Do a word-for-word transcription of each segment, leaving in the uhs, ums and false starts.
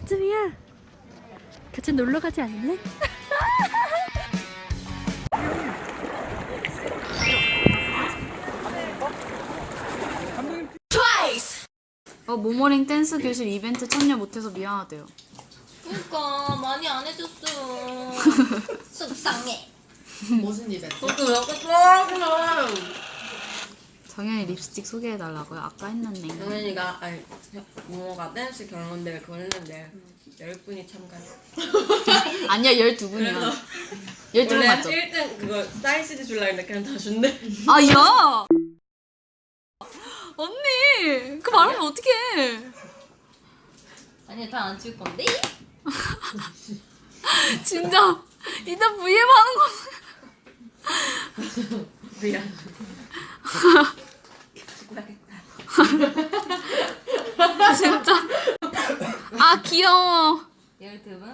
언제쯤이야? 같이 놀러 가지 않을래? 어, 모모링 댄스 교실 이벤트 참여 못해서 미안하대요. 그러니까 많이 안 해줬어요. 속상해. 무슨 이벤트? 저도 약간 좋아하구나. 정현이 립스틱 소개해달라고요? 아까 했는데. 정현이가 아니 모모가 댄스 경연대회 그거 했는데 열 분이 참가해. 아니야, 열두 분이야. 열두 분 원래 맞죠? 일 등 그거 사인 씨디 줄라 했는데 그냥 다 준대. 아, 야! 언니! 그 말하면 어떡해! 아니 다 안 줄 건데? 진짜 이따 브이앱 하는 거. 미안. 진짜. 아, 귀여워. 열두 분?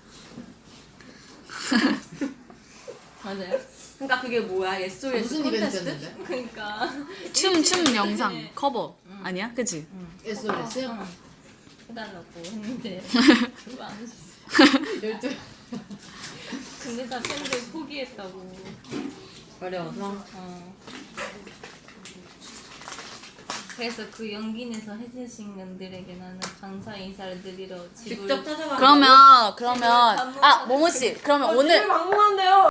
맞아요? 그러니까 그게 뭐야? 예솔 무슨 이벤트였는데? 그러니까 춤, 춤 영상 커버. 아니야? 그치? 에스오에스요? 해달라고 했는데 그거 안 했어. 열두. 근데 다 팬들 포기했다고. 어려워서? 어. 그래서 그 연기내서 해주신 분들에게 나는 감사 인사를 드리러 집을 직접 찾아가. 그러면, 그러면. 아, 모모씨. 그러면 오늘. 방문한대요.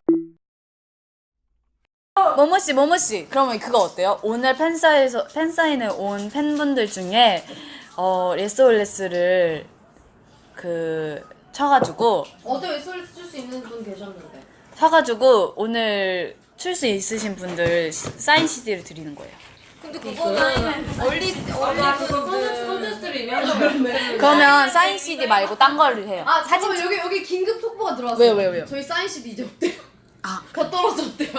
모모씨, 모모씨. 그러면 그거 어때요? 오늘 팬사에서, 팬사인회 온 팬분들 중에, 어, 레스올레스를 그, 쳐가지고, 어제 에스오에스 줄 수 있는 분 계셨는데. 사가지고, 오늘 출 수 있으신 분들 사인 씨디를 드리는 거예요. 근데 그거는 얼리 얼리 콘테스트를 이미하는 그러면 사인 씨디 말고 딴 거를 해요. 아 사진 여기 여기 긴급 속보가 들어왔어요. 왜요, 왜요, 왜요? 저희 사인 씨디 이제 없대요. 아, 가 떨어졌대요.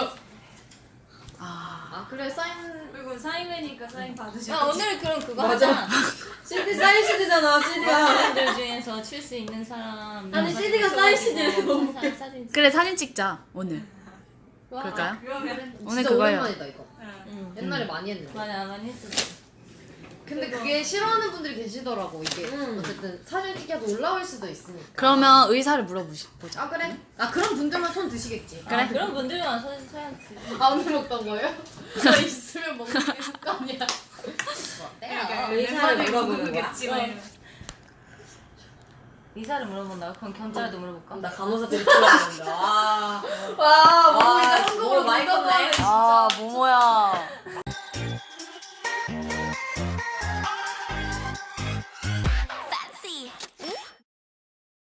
아. 아 그래 사인. 그리고 사인회니까 사인 받으셔. 아 오늘 그럼 그거 하자. 씨디 사인 씨디잖아. 씨디가 팬들 중에서 출 수 있는 사람. 아니, 씨디가 사인 씨디를 너무 사진. 그래, 사진 찍자, 오늘. 그럴까요? 그러면 오늘 진짜 그거예요. 오랜만이다 이거. 응. 옛날에 많이 했는데. 많이 안 많이 했어. 근데 그게 싫어하는 분들이 계시더라고 이게. 음. 어쨌든 사진 찍혀도 올라올 수도 있으니까. 그러면 의사를 물어보자. 아 그래? 아 그런 분들만 손 드시겠지. 그래? 아, 그런 분들만 사진 사야지. 안 먹던 거예요? 저 있으면 먹는 게 습관이야. 어때요? 의사를 물어보는 거야. 겠지 막 이러면. 의사를 물어본다. 그럼 경찰도 물어볼까? 나 간호사들이 좋아하는데. 아, 와, 와, 뭐 이제 한국어로 많이 많이 컸네. 컸네. 아, 모모야.